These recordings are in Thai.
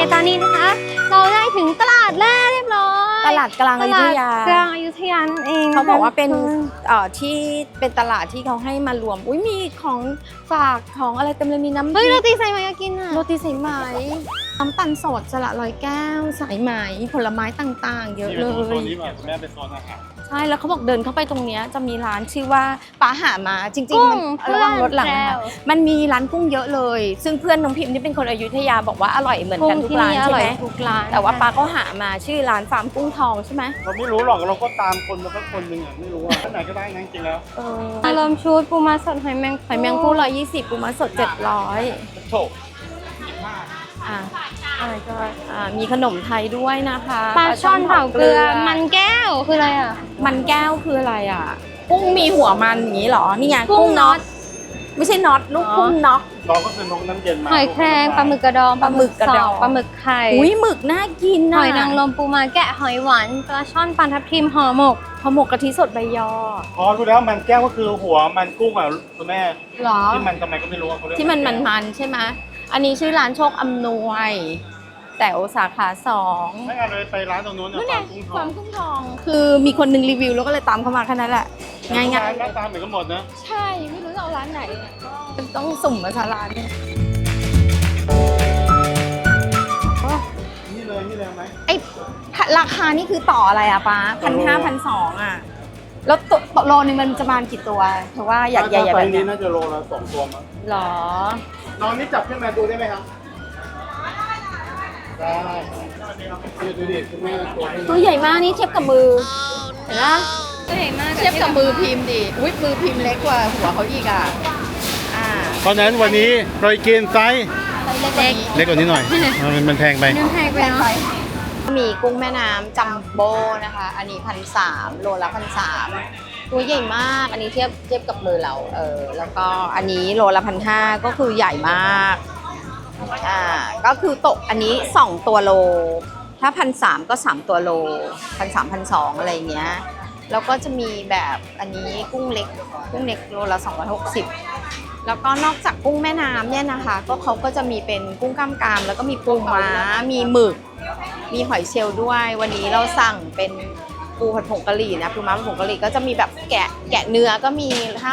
ตอนนี้นะคะเราได้ถึงตลาดแรกเรียบร้อยตลาดกลางอยุธยากลางอยุธยานั่นเองเขาบอกว่าเป็นที่เป็นตลาดที่เขาให้มารวมอุ้ยมีของฝากของอะไรเต็มเลยมีน้ำเฮ้ยโรตีสายไหมอยากกินอ่ะโรตีสายไหมน้ำปั่นสดสละร้อยแก้วสายไหมผลไม้ต่างๆ เยอะเลยโซนนี้แบบแม่เป็นโซนอาหารใช่แล้วเขาบอกเดินเข้าไปตรงเนี้ยจะมีร้านชื่อว่าป้าหามาจริงๆมันระวังรถหลังนะคะมันมีร้านกุ้งเยอะเลย ซึ่งเพื่อนน้องพิมพ์ที่เป็นคนอยุธยาบอกว่าอร่อยเหมือนกันทุกร้านใช่ไหมทุกร้านแต่ว่าป้าก็หามาชื่อร้านฟาร์มกุ้งทองใช่ไหมเราไม่รู้หรอกเราก็ตามคนมาสักคนหนึ่งอ่ะไม่รู้อ่ะท่านไหนก็ได้นะจริงๆแล้วเริ่มชุดปูม้าสดหอยแมงหอยแมงภู่120ปูม้าสด700 โถมีขนมไทยด้วยนะคะปลาช่อนเผาเกลือมันแก้วคืออะไรอ่ะมันแก้วคืออะไรอ่ะกุ้งมีหัวมันอย่างนี้เหรอนี่ไงกุ้งน็อตไม่ใช่น็อตลูกกุ้งน็อกเราก็คือนกน้ำเย็นมาหอยแครงปลาหมึกกระดองปลาหมึกกระดองปลาหมึกไข่อุ้ยหมึกน่ากินหนะอยนางรมปูม้าแกะหอยหวานปลาช่อนปลาทับทิมห่อหมกห่อหมกกะทิสดใบยออ๋อรู้แล้วมันแก้วก็คือหัวมันกุ้งอ่ะคุณแม่หรอที่มันทำไมก็ไม่รู้เขาเรียกที่มันใช่ไหมอันนี้ชื่อร้านโชคอำนวยแต่สาขา2 ไม่เอาเลยไปร้านตรงนู้นนู่นไงฟาร์มกุ้งทคอวาง มกุ้งทองคือมีคนหนึงรีวิวแล้วก็เลยตามเข้ามาแค่นั้นแหละง่ายหน้าตาเหมือนกันหมดนะๆใช่ไม่รู้จะเอาร้านไหนเนี่ยก็ต้องสุ่มมาซะร้านเนี่ยนี่เลยไหมไอ้ราคานี่คือต่ออะไรอะป้า1,500 1,200อะแล้วตัวโลนึงมันจะประมาณกี่ตัวเธอว่าอยากใหญ่ๆไซแบบส์เนี้นี้ยน่าจะโลละ2 ตัวมั้งหรอน้องนี่จับขึ้นมาดูได้ไหมครับได้ดูดิคุณแม่ตัวนี้ตัวใหญ่มากนี่เทียบกับมือเห็นไหมตัวใหญ่มากเทียบกับมือพิมพ์ดิอุ้ยมือพิมพ์เล็กกว่าหัวเขาอีกอ่ะเพราะฉะนั้นวันนี้เรากินไซส์เล็กเล็กกว่านี้หน่อยมันแพงไปเนื้อแพงไปเนาะมีกุ้งแม่น้ำจัมโบ้นะคะ อันนี้1,300โลละ1,300ตัวใหญ่มาก อันนี้เทียบกับมือเราแล้วก็อันนี้โลละ1,500ก็คือใหญ่มากก็คือตกอันนี้2ตัวโลถ้า1,300ก็3ตัวโล1,300 1,200อะไรเงี้ยแล้วก็จะมีแบบอันนี้กุ้งเล็กโลละ260แล้วก็นอกจากกุ้งแม่น้ำเนี่ยนะคะก็เขาก็จะมีเป็นกุ้งกล้ามกรามแล้วก็มีปูม้ามีหมึกมีหอยเชลล์ด้วยวันนี้เราสั่งเป็นปูผัดผงกะหรี่นะปูม้าผัดผงกะหรี่ก็จะมีแบบแกะเนื้อก็มี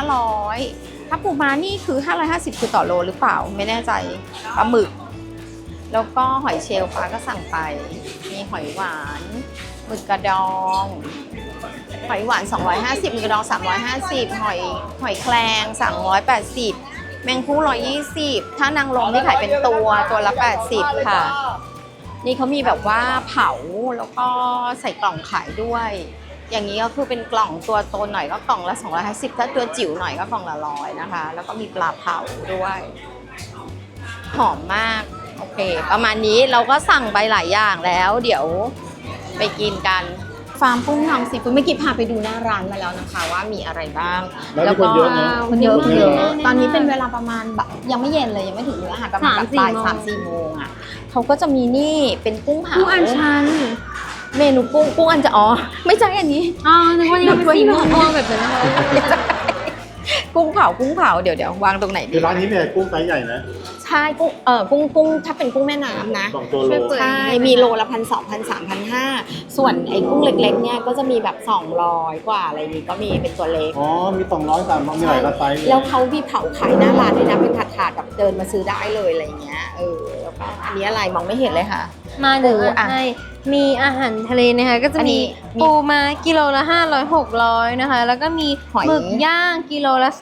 500ถ้าปูม้านี่คือ550คือต่อโลหรือเปล่าไม่แน่ใจปลาหมึกแล้วก็หอยเชลล์ฟ้าก็สั่งไปมีหอยหวานหมึกกระดองหอยหวาน250หมึกกระดอง350หอยแครง380แมงผู้120ถ้านางรมที่ขายเป็นตัวละ80ค่ะนี่เขามีแบบว่าเผาแล้วก็ใส่กล่องขายด้วย อย่างนี้ก็คือเป็นกล่องตัวโตหน่อยก็กล่องละ250ถ้าตัวจิ๋วหน่อยก็กล่องละ100นะคะแล้วก็มีปลาเผาด้วยหอมมากโอเคประมาณนี้เราก็สั่งไปหลายอย่างแล้วเดี๋ยวไปกินกันฟาร์มกุ้งทองซีฟู้ดเมื่อกี้พาไปดูหน้าร้านมาแล้วนะคะว่ามีอะไรบ้างแล้วคนเยอะนะคนเยอะคนเยอะตอนนี้เป็นเวลาประมาณแบบยังไม่เย็นเลยยังไม่ถึงมื้ออาหารประมาณแบบบ่าย3-4 โมงอ่ะเขาก็จะมีนี่เป็นกุ้งเผากุ้งอัญชันเมนูกุ้งอันจะไม่ใช่อันนี้นึกว่านี่ก็เป็นสีม่วงแบบนั้นนะคะกุ้งเผาเดี๋ยววางตรงไหนดีคือร้านนี้เนี่ยกุ้งไซส์ใหญ่นะใช่กุ้งถ้าเป็นกุ้งแม่น้ำนะ 2 ตัวโลใช่มีโลละ1,200 1,300 1,500ส่วนไอ้กุ้งเล็กๆเนี่ยก็จะมีแบบ200กว่าอะไรนี้ก็มีเป็นตัวเล็กอ๋อมี200 300มีหลายไซส์เลยแล้วเขามีเผาขายหน้าร้านด้วยนะเป็นถาดๆแบบเดินมาซื้อได้เลยอะไรเงี้ยแล้วก็อันนี้อะไรมองไม่เห็นเลยค่ะมาเดี๋ยวอ่ะให้มีอาหารทะเลนะคะก็จะอันนี้มีปูม้ากิโลละ500 600นะคะแล้วก็มีหอยหมึกย่างกิโลละ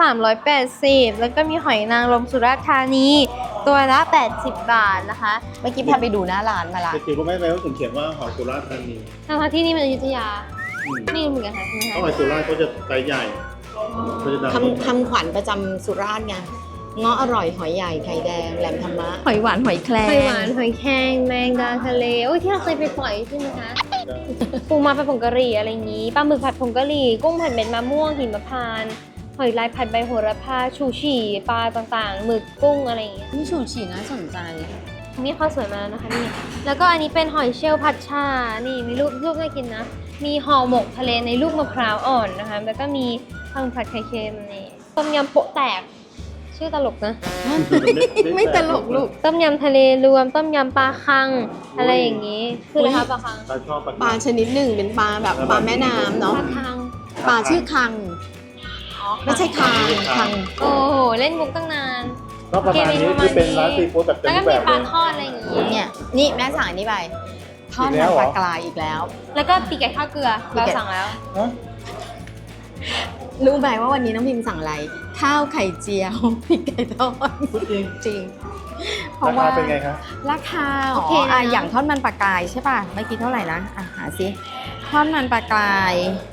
380แล้วก็มีหอยนางรมสุราษฎร์ธานีตัวละ80 บาทนะคะเมื่อกี้พาไปดูหน้าร้านมาละเด็กๆก็ไม่ไปว่าผมเขียนว่าหอยสุราษฎร์ธานีทั้งๆที่นี่มันอยุธยาอืมไม่รู้เหมือนกันค่ะใช่ไหมเพคะราะหอยสุราษฎร์เขาจะไซส์ใหญ่เขาจะดังคำขวัญประจำสุราษฎร์ไงเงาะอร่อยหอยใหญ่ไข่แดงแหลมธรรมะหอยหวานหอยแครงหอยหวานหอยแครงแมงดาทะเลโอ้ยที่เราเคยไปปล่อยใช่ไหมคะปูม้าผัดผงกะหรี่อะไรอย่างนี้ปลาหมึกผัดผงกะหรี่กุ้งผัดเม็ดมะม่วงหิมพานต์หอยลายผัดใบโหระพาชูชีปลาต่างๆหมึกกุ้งอะไรอย่างเงี้ยนี่ฉูฉี่น่าสนใจนี่ข้าวสวยมาแล้วนะคะนี่แล้วก็อันนี้เป็นหอยเชลล์ผัดชานี่มีลูกน่ากินนะมีห่อหมกทะเลในลูกมะพร้าวอ่อนนะคะแล้วก็มีผัดไข่เค็มนี่ต้มยำโปะแตกใช่ชื่อตลกนะไม่ตลกลูกต้มยำทะเลรวม ต้มยำปลาคัง อะไรอย่างนี้ คืออะไรคะปลาคังปลาชอบปลาปลาชนิดหนึ่งเป็นปลาแบบปลาแม่น้ำปเนาะลาคังปลาชื่อคัง ไม่ใช่คังโอ้โห เล่นมุกตั้งนานก็ประมาณนี้คือเป็นร้านซีฟู้ดแบบเต็แล้วมก็รูปมีแบบปลาเลยทอดอะไรอย่างนี้เนี่ยนี่แม่สั่งอันนี้ไปทอดอีกแล้มันวเหรอปลากรายอีกแล้วแล้วก็ปีกไก่ทอดเกลือ เราสั่งแล้วฮะรู้ไหมว่าวันนี้น้องพิมสั่งอะไร ข้าวไข่เจียวพริกไก่ทอดพูดจริงจริง เพราราะว่าคาเป็นไงครับราคาโอเคนะอย่างทอดมันปลากรายใช่ป่ะเมื่อกี้เท่าไหร่นะหาสิทอดมันปลากราย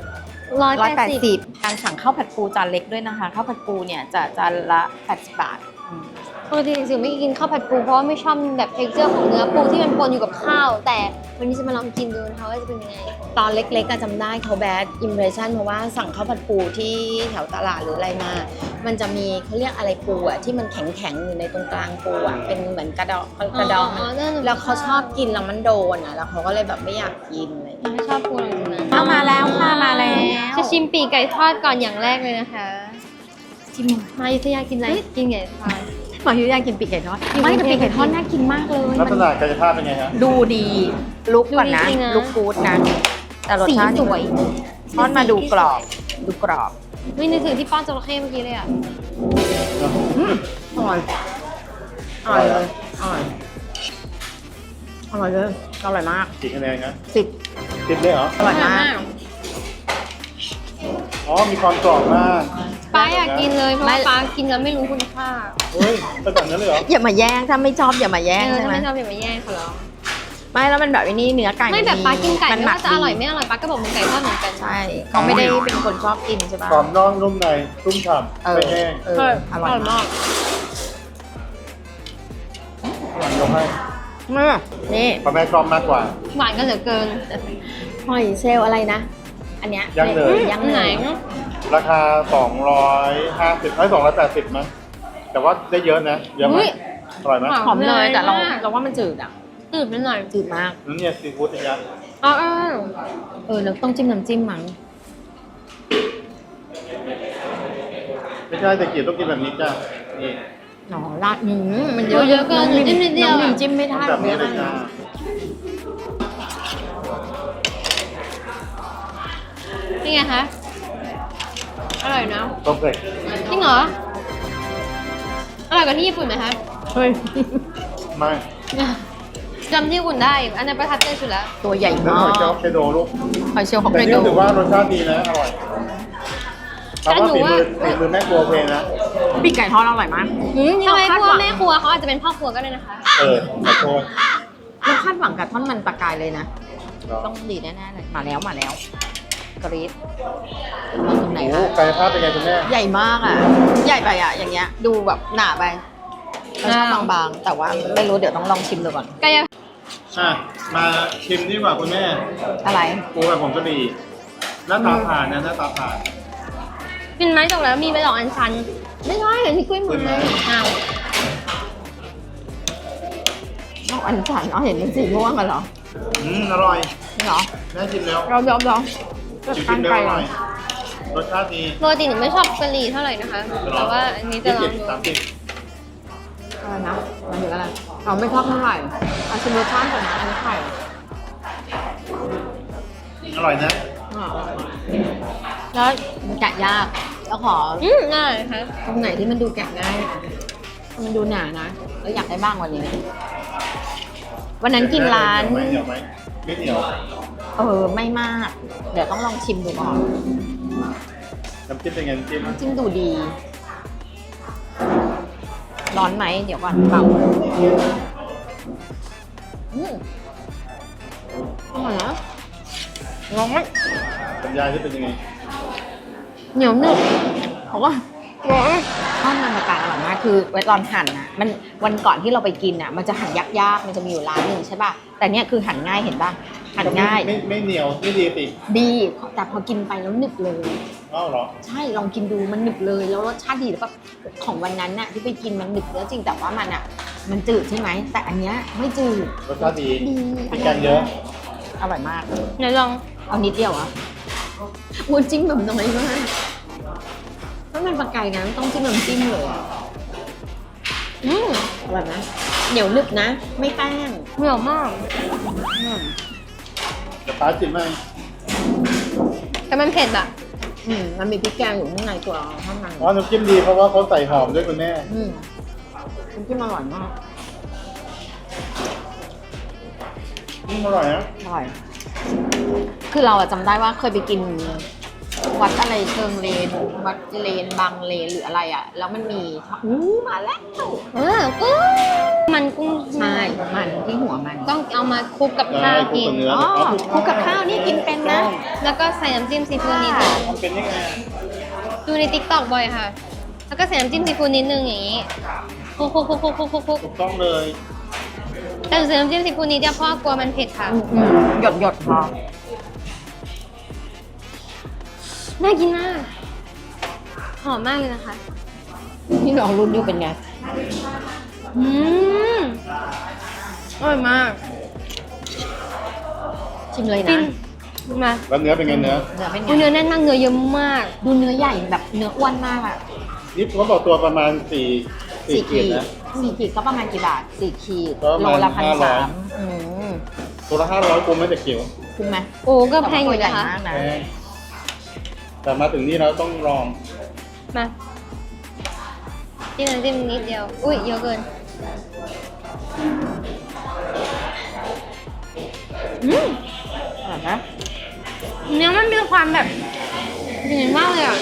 180 การสั่งข้าวผัดปูจานเล็กด้วยนะคะข้าวผัดปูเนี่ยจะจานละ80 บาทปกติจริงๆไม่กินข้าวผัดปูเพราะว่าไม่ชอบแบบเท็กเจอร์ของเนื้อปูที่มันปนอยู่กับข้าว แต่วันนี้จะมาลองกินดูนะคะว่าจะเป็นยังไงตอนเล็กๆก็จำได้เขาแบดอิมเพรสชันเพราะว่าสั่งข้าวผัดปูที่แถวตลาดหรืออะไรมา มันจะมีเขาเรียกอะไรปูอะที่มันแข็งๆอยู่ในตรงกลางปูอะเป็นเหมือนกระดองแล้วเขาชอบกินแล้วมันโดนอะแล้วเขาก็เลยแบบไม่อยากกินอะไรอย่างเงี้ยไม่ชอบปูเลยนะเอามาแล้วค่ะมาแล้วจะชิมปีกไก่ทอดก่อนอย่างแรกเลยนะคะชิมมาอยุธยากินอะไรกินไก่ทอดหมอยุอยากกินปีกไก่ทอดอยู่ไม่แต่กรุปีงกเทพไก่ทอดน่ากินมากเลยลักษณะกายภาพเป็นไงฮะดูดีลุกก่อนนะดูดีจริงนะลุกกูดนะแต่รสสีชาติสวยทอดมาดูกรอบดูกรอบไม่นึกถึงที่ป้อนจระเข้เมื่อกี้เลยอ่ะอร่อยอร่อยเลยอร่อยอร่อยเลยอร่อยมากกี่คะแนนครับ 10 10เลยเหรออร่อยมากอ๋อ มีความกรอบมากป้าอยากกินเลยเพราะว่าป้ากินแล้วไม่รู้คุณค่าเฮ้ยเป็นแบบนั้นเลยเหรออย่ามาแย่งถ้าไม่ชอบอย่ามาแย่งเออใช่ถ้าไหมไม่ชอบอย่ามาแย่งเขาหรอกไม่แล้วมันแบบอันนี้เนื้อไก่ไม่แบบป้ากินไก่มันไม่หมัว่าจะอร่อยไม่อร่อยป้าก็บอกมันไก่ทอดเหมือนกันใช่เขาไม่ได้เป็นคนชอบกินใช่ปะกรอบนอกนุ่มในชุ่มฉ่ำไม่แห้งอร่อยมากหวานยกให้นี่เพราะแม่ชอบมากกว่าหวานกันเหลือเกินหอยเชลล์อะไรนะ อันเนี้ยย่างเนยย่างอันเนไหนยราคา 250ให้280มั้งแต่ว่าได้เยอะนะ เยอะไหมอุ๊ยอร่อยไหมหวานหอมเนยแต่เรามากเราว่ามันจืดอ่ะจืดไปหน่อยจืดมากนั่นเนี่ยซีฟู้ดอย่างเงี้ยอ๋อเราต้องจิ้มน้ำจิ้มมั้งไม่ใช่แต่กีบต้องกินแบบนี้จ้ะนี่หนอราดมันเยอะเกินองจิ้มนิดเดียวน้องพิมจิ้มไม่ได้แบบนี้เลยจ้านี่ไงคะ อร่อยนะคอมเพล็กซ์จริงเหรอ อร่อยกว่าที่ญี่ปุ่นไหมคะเฮ้ยไม่จำที่ญี่ปุ่นได้ อันนั้นประทับใจสุดแล้วตัวใหญ่แล้วมาหอยเชลกล์เคโดลูกหอยเชลล์ฮอกแต่ไกนี่โดรู้สึกว่ารสชาติดีนะ อร่อยแต่ว่าฝีมือแม่ครัวเพลงนะปีกไก่ทอดอร่อยมากทำไมพวกแม่ครัวเขาอาจจะเป็นพ่อครัวก็ได้นะคะขอโทษเราคาดหวังกับท่อนมันปลากายเลยนะ ต้องดีแน่ๆเลยมาแล้วกรี๊ดมาตรงไหนโอ้คะกายภาพเป็นไงคุณแม่ใหญ่มากอ่ะ ใหญ่ไปอ่ะ อย่างเงี้ย ดูแบบหนาไปเราชอบบางๆ แต่ว่าไม่รู้เดี๋ยวต้องลองชิมดูก่อนกายมาชิมดีกว่าคุณแม่อะไรปูแบบผมจะดีหน้าตาผ่านนะหน้าตาผ่านกินไม้จบแล้วมีใบดอกอัญชัน ไม่ใช่เห็นที่กล้วยหมดเลยอ้าวนอกอันฉันเอาเห็นเป็นสีม่วงกันเหรออร่อยเหรอแม่ชิมแล้วเรายอมชิมกันแล้วไก่อเหรร่ออยรสชาติดีปกติหนูไม่ชอบกะหรี่เท่าไหร่นะคะ แต่ว่าอันนี้จะลองดู 30 อะไรนะหมายถึงอะไรเราไม่ชอบเท่าไหร่อาชิมรสชาติก่อนนะอันนี้ไข่อร่อยนะแล้วมันแกะยาก แล้วของ่ายค่ะตรงไหนที่มันดูแกะง่าย มันดูหนานะ แล้วอยากได้บ้างวันนี้ วันนั้นกินร้านเหนียวไหมไม่เหนียวไม่มาก เดี๋ยวต้องลองชิมดูก่อนน้ำจิ้มเป็นไงน้ำจิ้มน้ำจิ้มดูดี ร้อนไหม เดี๋ยวก่อนเป่าอร่อยนะร้อนบรรยายที่เป็นยังไงเหนียวหนึบเพราะว่าทอดมันปลากายอร่อยมากคือไว้ตอนหั่นนะมันวันก่อนที่เราไปกินอ่ะมันจะหั่นยากๆมันจะมีอยู่ร้านหนึ่งใช่ป่ะแต่เนี้ยคือหั่นง่ายเห็นป่ะหั่นง่ายไม่เหนียวไม่ดีสิดีแต่พอกินไปแล้วหนึบเลยอ้าวเหรอใช่ลองกินดูมันหนึบเลยแล้วรสชาติดีแล้วแบบของวันนั้นน่ะที่ไปกินมันหนึบแล้วจริงแต่ว่ามันอ่ะมันจืดใช่ไหมแต่อันเนี้ยไม่จืดรสชาติดีดีมีกันเยอะอร่อยมากเดี๋ยวลองเอานิดเดียวอ่ะวนจิ้มแบบน้อยมากถ้ามันปลากายนะต้องจิ้มน้ำจิ้มเลยอะอร่อยไหมเหนียวหนึบนะ ไม่แป้งเหนียวมากจะป้าจิมไหมแต่มันเผ็ดอะมันมีพริกแกงอยู่ข้างในตัวข้างในอ๋อน้ำจิ้มดีเพราะว่าเขาใส่หอมด้วยคุณแม่น้ำจิ้มอร่อยมากอร่อยนะอร่อย คือเราอะจำได้ว่าเคยไปกินวัดอะไรเชิงเลน วัดเลนบางเลนหรืออะไรอะแล้วมันมีมาแล้วกุ้งมันกุ้งใช่มันที่หัวมันต้องเอามาคลุกกับข้าวกินเนื้ออ๋อคลุกกับข้าวนี่กินเป็นนะแล้วก็ใส่น้ำจิ้มซีฟู้ดนิดนึงมันเป็นยังไงดูในติ๊กต็อกบ่อยค่ะ แล้วก็ใส่น้ำจิ้มซีฟู้ดนิดนึงอย่างนี้คลุกถูกต้องเลยแต่ใส่น้ำจิ้มซีฟู้ดนิดเดียวเพราะกลัวมันเผ็ดค่ะหยดพอน่ากินมาก หอมมากเลยนะคะที่เรารุ่นอยู่เป็นไงอืมอร่อยมากชิมเลยฟินะนมาแล้วเนื้อเป็นไงเนื้อเนื้อเป็นไงอุ๊ยเนื้อแน่นมากเนื้อเยอะมากดูเนื้อใหญ่แบบเนื้ออ้วนมากอะนี่เขาบอกตัวประมาณ4ขีดนะ 4 ขีดก็ประมาณกี่บาท 4 ขีดก็ประโลมาณละ1,300 ตัวละ500คุ้มไหมแต่เขียวคุ้มไหมโอ้ก็แพงอยู่ใหญ่นะคะมากนะแพงแต่มาถึงนี่เราต้องลองมาจิ้มน้ำจิ้มนิดเดียว อุ้ยเยอะเกินอร่อยนะเนื้อมันมีความแบบดีมากเลยอ่ะ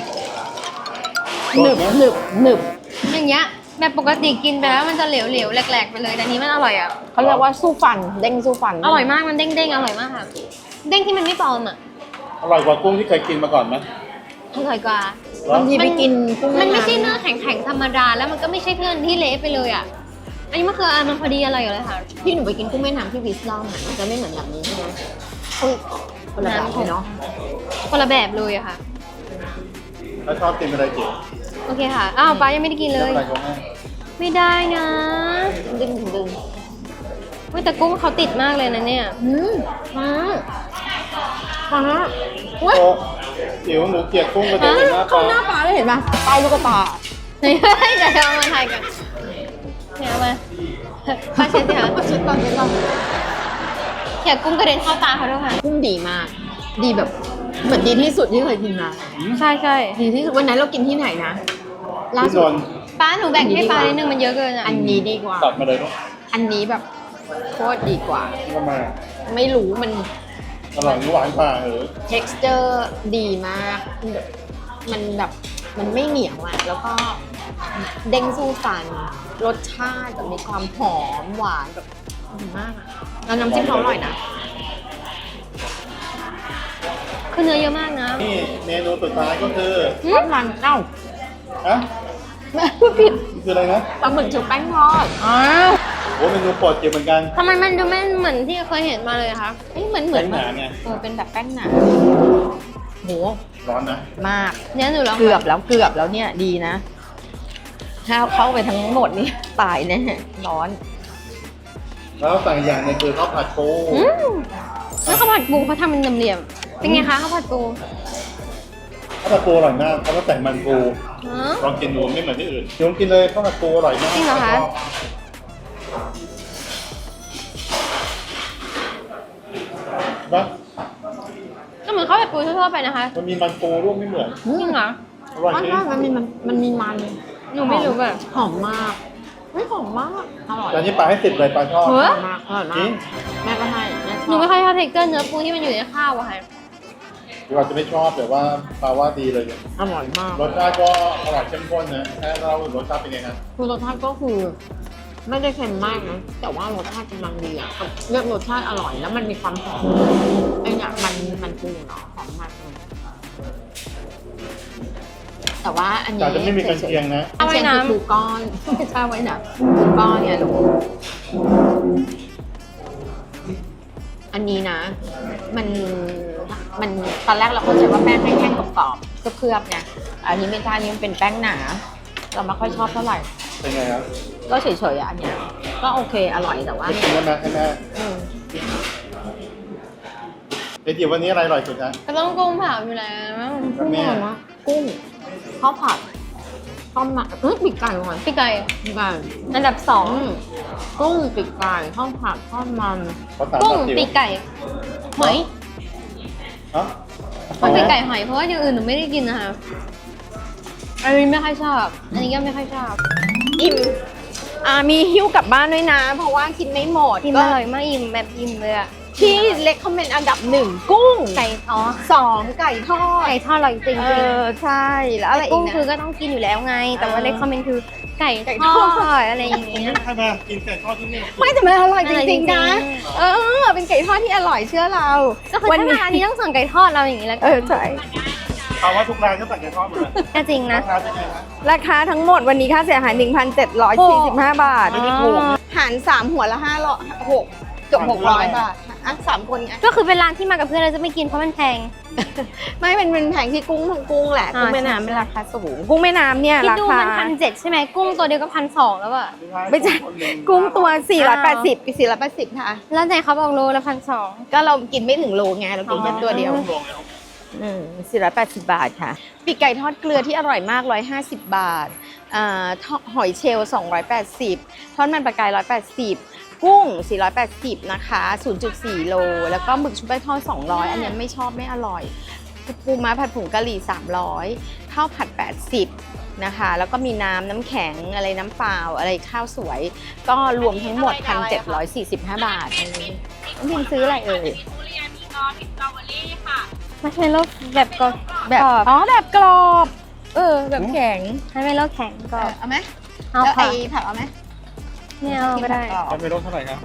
หนึบอย่างเงี้ยแบบปกติกินไปแล้วมันจะเหลวๆแหลกๆไปเลยแต่อันนี้มันอร่อยอ่ะเขาเรียกว่าสู้ฟัน เด้งสู้ฟันอร่อยมากมันเด้งๆอร่อยมากค่ะ เด้งที่มันไม่ปลอมอ่ะอร่อยกว่ากุ้งที่เคยกินมาก่อนไหมอร่อยกว่าบางทีไปกินกุ้งมันไม่แำใช่เนื้อแข็งๆธรรมดาแล้วมันก็ไม่ใช่เพื่อนที่เละไปเลยอ่ะ อันนี้มันคือมันพอดีอร่อยอยู่เลยค่ะที่หนูไปกินกุ้งแม่น้ำที่วิสลองอะมันจะไม่เหมือนแบบนี้ใช่ไหมคนละแบบเลยเนาะคนละแบบเลยอะค่ะแล้วชอบกินอะไรเจ๋งโอเคค่ะ อ้าวป้ายังไม่ได้กินเลยอะไรเขาให้ไม่ได้นะดึงเฮ้ยแต่กุ้งเขาติดมากเลยนะเนี่ยมาฟ้าโอ้จิ๋วหนูเกลียดกุ้งกระเด็นหน้าเข้าปลาหน้าฟ้าเลยเห็นปะใต้ลูกกระตาเฮ้ยเดี๋ยวเอามาถ่ายกันเนี่ยเอามาป้าเช็ดสิคะเช็ดก่อนเขี่ยกุ้งกระเด็นเข้าตาเขาด้วยค่ะกุ้งดีมาก ดีแบบเหมือนดีที่สุดที่เคยกินมาใช่ใช่ดีที่สุดวันนั้นเรากินที่ไหนนะล่าที่สุนดนท์ป้าหนูแบ่งให้ป้านิดนึงมันเยอะเกินอ่ะอันนี้ดีกว่าตัดมาเลยเนาะอันนี้แบบโคตรดีกว่าทำไมไม่รู้มันอร่อยหวานกว่าเหรอ texture ดีมาก มันแบบมันไม่เหนียวอะแล้วก็เด้งสู้ฟัน รสชาติแบบมีความหอมหวานแบบดีมากอะแล้วน้ำจิ้มเขาอร่อยนะคือเนื้อเยอะมากนะนี่เมนูสุดท้ายก็คือทอดมันเอ้าฮะแม่พูดผิดนี่คืออะไรนะปลาหมึกชุบแป้งทอดอ้าวโอ้เมนูโปรดจิ๋วเหมือนกันทำไมมันดูไม่เหมือนที่เคยเห็นมาเลยอะคะเหมือนแป้งหนาไงเป็นแบบแป้งหนาโหร้อนนะมากเนี่ยหนูลองเกือบแล้วเนี่ยดีนะ ถ้าเข้าไปทั้งหมดนี่ตายแน่ร้อนแล้วสั่งอีกอย่างหนึงคือข้าวผัดปูอืมแล้วข้าวผัดปูเขาทำเป็นเหลี่ยมๆเป็นไงคะข้าวผัดปูข้าวผัดปูอร่อยมากเขาต้องแต่งมันปูอ๋อลองกินดูไม่เหมือนที่อื่นยงกินเลยข้าวผัดปูอร่อยมากจริงเหรอคะนะก็เหมือนข้าวผัดปูทั่วๆไปนะคะมันมีมันปูร่วมไม่เหมือนจริงเหรออร่อยจริงมันมีมันหนูไม่รู้แบบหอมมากไม่หอมมากอร่อยจานนี้ปลาให้10เลยปลาชอบเฮ้ยมากอร่อยจริมาง กแม่ก็ให้แม่ชอบหนูไม่ค่อยชอบเทคเกอร์เนื้อปูที่มันอยู่ในข้าวอะค่ะหรืออาจจะไม่ชอบแต่ว่าปลาว่าดีเลยเนี่ยอร่อยมากรสชาติก็อร่อยเข้มข้นนะแค่เรารสชาติเป็นไงครับคือรสชาติก็คือไม่ได้เค็มมากนะแต่ว่ารสชาติกำลังดีอ่ะเลือกรสชาติอร่อยแล้วมันมีความหอมไอ้เนี่ยมันปูเนาะหอมมากเลยแต่ว่าอันนี้แต่จะไม่มีกันเชียงนะเอาไว้น้ำปูก้อนไม่ใช่ไว้น้ำปูก้อนเนี่ยลูกอันนี้นะ มันตอนแรกเราเข้าใจว่าแป้งแห้งๆกรอบๆก็เคลือบไงอันนี้ไม่ใช่อันนี้มันเป็นแป้งหนา เราไม่ค่อยชอบเท่าไหร่เป็นไงครับก็เฉยๆอ่ะอันเนี้ยก็โอเคอร่อยแต่ว่าไม่กินได้ไหมให้แม่อืมเดี๋ยวจิ๋ววันนี้อะไรอร่อยสุดนะก็ต้องกุ้งเผาอยู่แล้วกับแม่อร่อยมากกุ้งข้าวผัดต้มมาปีกไก่ก่อนพี่ไก่ปีกไก่อันดับสองกุ้งปีกไก่ข้าวผัดข้าวมันเขาสั่งกุ้งแบบจิ๋วปีกไก่หอยฮะปีกไก่หอยเพราะว่าอย่างอื่นหนูไม่ได้กินนะคะอันนี้ไม่ค่อยชอบ อันนี้ก็ไม่ค่อยชอบอิ่มมีหิ้วกลับบ้านด้วยนะ เพราะว่ากินไม่หมดกินก็อร่อยมากอิ่มแบบอิ่มเลยอะที่เล็กคอมเมนต์อันดับ 1 กุ้งไก่อ๋อ 2 ไก่ทอดไก่ทอดอร่อยจริงเอจริงอใช่แล้วอะไรอีกุ้กงนะคือก็ต้องกินอยู่แล้วไง แต่ว่าเออเลคคอมเมนต์คือไก่ไก่ททออดดอะไรอย่างเงี้ยใครมากินไก่ทอดที่นี่ไม่แต่มันอร่อยจริงๆนะอร่อยจริงเออเป็นไก่ทอดที่อร่อยเชื่อเราก็คือถ้ามาร้านนี้ต้องสั่งไก่ทอดเราอย่างนี้แล้วกัเออใช่เอาว่าทุกร้านก็สั่งไก่ทอดหมดเลยก็จริงนะราคาเป็นไงนะราคาทั้งหมดวันนี้ค่าเสียหาย 1,745 บาทไม่ได้ถูกนะหาร 3 หัวละ6เกือบ600 บาทอ่ะ3 คนไงก็คือเป็นร้านที่มากับเพื่อนเราจะไม่กินเพราะมันแพงไม่เป็นแผงที่กุ้งทั้งกุ้งแหละอ่ากุ้งแม่น้ำใช่เป็นราคาสูงกุ้งแม่น้ำเนี่ยคิดราดูคามัน1,700ใช่ไหมกุ้งตัวเดียวก็1,200แล้วอะไม่ใช่กุ้งตัว480ค่ะแล้วไหนเขาบอกโลละ1,200 ก็เรากินไม่ถึงโลไงเรากินแค่ตัวเดียวลงแล้ว 480 บาทค่ะปีกไก่ทอดเกลือที่อร่อยมาก 150 บาทหอยเชลล์280ทอดมันปลากาย180กุ้ง480นะคะ 0.4 โลแล้วก็หมึกชุบแป้งทอด200อันนี้ไม่ชอบไม่อร่อยปูม้าผัดผงกะหรี่300ข้าวผัด80นะคะแล้วก็มีน้ำแข็งอะไรน้ำเปล่าอะไรข้าวสวย ก็รวมทั้งหมด 1,745 บาทอันนี้น้องพิมซื้ออะไรเอ่ยมัชเมลโล่แบบกรอบแบบอ๋อแบบกรอบแบบแข็งมัชเมลโล่แข็งกรอบเอาไหมเอาแล้วค่ะไอ้ผักเอาไหมไม่เอาก็ได้จะไปลดเท่าไหร่ครับ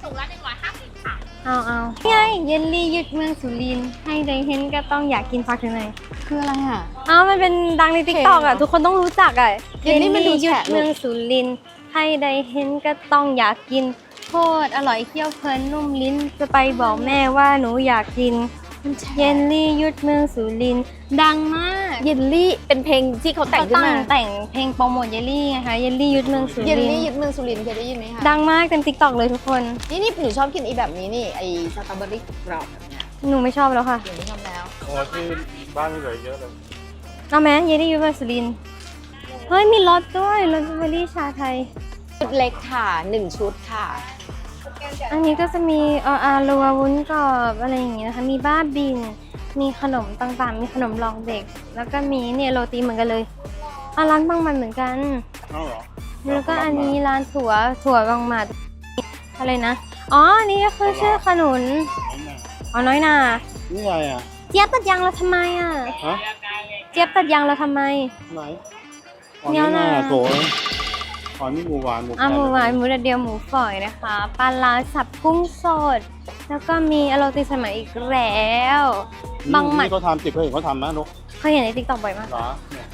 เอานี่ไงเยลลี่ยึดเมืองสุรินทร์ให้ได้เห็นก็ต้องอยากกินฟักถึงไหนคืออะไรอ่ะมันเป็นดังในติ๊กต็อกอ่ะ ทุกคนต้องรู้จักอ่ะเยลลี่มันดูยึดแฉะเมืองสุรินทร์ให้ได้เห็นก็ต้องอยากกินโคตรอร่อยเคี้ยวเพลินนุ่มลิ้นจะไปบอกแม่ว่าหนูอยากกิน เยลลี่ยุดเมืองสุรินทร์ดังมากเยลลี่เป็นเพลงที่เขาแต่งขึ้นมาแต่งเพลงโปรโมทเยลลี่ไงคะเยลลี่ยุดเมืองสุเยริลนทลี่ร์ยึดเมืองสุรินทร์เคยได้ยินไหมคะดังมากเต็มติ๊กต็อกเลยทุกคนนี่หนูชอบกินไอ้แบบนี้นี่ไอ้สตรอเบอรี่กรอบแบบเนี้ยหนูไม่ชอบแล้วค่ะหนูไม่ชอบแล้วโอ้ที่บ้านนี่เหลือเยอะเลยเอาไหมเยลลี่ยุดเมืองสุรินทร์เฮ้ยมีรสด้วยรสเบอร์รี่ชาไทยชุดเล็กค่ะ1ชุดค่ะอันนี้ก็จะมีอารัววุ้นกรอบอะไรอย่างเงี้ยนะคะมีบ้าบินมีขนมต่างๆ มีขนมรองเด็ก แล้วก็มีเนี่ยโรตีเหมือนกันเลยร้านบางมันเหมือนกันเอาเหรอแล้วก็อันนี้ร้านถั่วบางหมัดอะไรนะอ๋ออันนี้ก็คือชื่อขนุนอ๋อน้อยนานี่ไงอ่ะเจี๊ยบตัดยางเราทำไมอ่ะฮะเจี๊ยบตัดยางเราทำไมไหนอ๋อเนี่นี่ยน่าน่ะโถอ๋อนี่หมูหวานหมูหมูหวานหมูแดดเดียวหมูฝอยนะคะปลาร้าสับกุ้งสด แล้วก็มีโรตีสมัยอีกแล้วบางหมัดนี่เขาทำติดเขาเห็นเขาทำนะลูกเคยเห็นในติ๊กต็อกบ่อยมากเหรอเนี่ย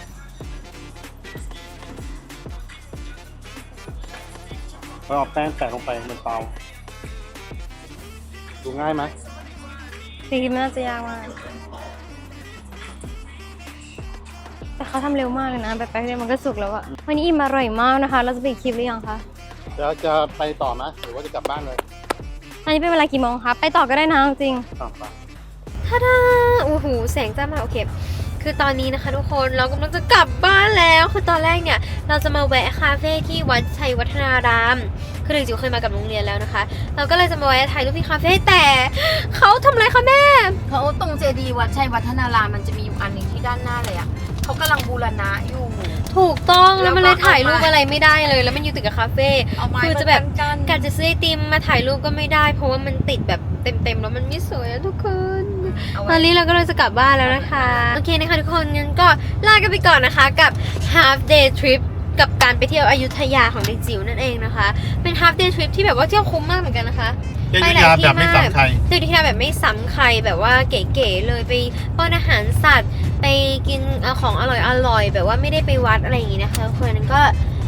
เขาเอาแป้งแตะลงไปบนเตาดูง่ายไหมจริงๆมันน่าจะยากมากแต่เขาทำเร็วมากเลยนะแบบแป๊บเดียวมันก็สุกแล้วอะวันนี้อิ่มอร่อยมากนะคะ เราจะไปอีกคลิปหรือยังคะจะไปต่อไหมหรือว่าจะกลับบ้านเลยอันนี้เป็นเวลากี่โมงคะไปต่อก็ได้นะจริงต่อไปท่าดาโอ้โหแสงจ้ามาโอเค คือตอนนี้นะคะทุกคนเรากำลังจะกลับบ้านแล้ว คือตอนแรกเนี่ยเราจะมาแวะคาเฟ่ที่วัดชัยวัฒนาราม คือจริงๆเคยมากับโรงเรียนแล้วนะคะ เราก็เลยจะมาแวะถ่ายรูปที่คาเฟ่แต่เขาทำอะไรคะแม่เขาตรงเจดีย์วัดชัยวัฒนารามมันจะมีอยู่อันหนึ่งที่ด้านหน้าเลยอ่ะเขากำลังบูรณะอยู่ถูกต้องแล้วมันเลยแล้วก็ถ่ายรูปเอามาอะไรไม่ได้เลย แล้วมันอยู่ติดกับคาเฟ่เอาไม้คือจะแบบกันการจะซื้อไอติมมาถ่ายรูปก็ไม่ได้ เพราะว่ามันติดแบบเต็มๆแล้วมันไม่สวยอะทุกคน ตอนนี้เราก็เลยจะกลับบ้านแล้วนะคะ โอเคนะคะทุกคนงั้นก็ลากันไปก่อนนะคะกับ half day trip กับการไปเที่ยวอยุธยาของเด็กจิ๋วนั่นเองนะคะ เป็น half day trip ที่แบบว่าเที่ยวคุ้มมากเหมือนกันนะคะไปหลายที่แบบไม่ซ้ำใครเที่ยวที่แบบไม่ซ้ำใครแบบว่าเก๋ๆเลยไปป้อนอาหารสัตว์ ไปกินของอร่อยๆแบบว่าไม่ได้ไปวัดอะไรอย่างงี้นะคะทุกคนนั้นก็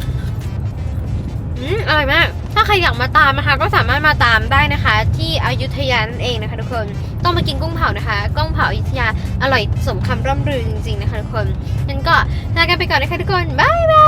อร่อยมาก ถ้าใครอยากมาตามนะคะ ก็สามารถมาตามได้นะคะ ที่อยุธยานั่นเองนะคะทุกคนต้องมากินกุ้งเผานะคะกุ้งเผาอยุธยาอร่อยสมคำร่ำลือจริงๆนะคะทุกคนงั้นก็ลากันไปก่อนนะคะทุกคนบ๊ายบาย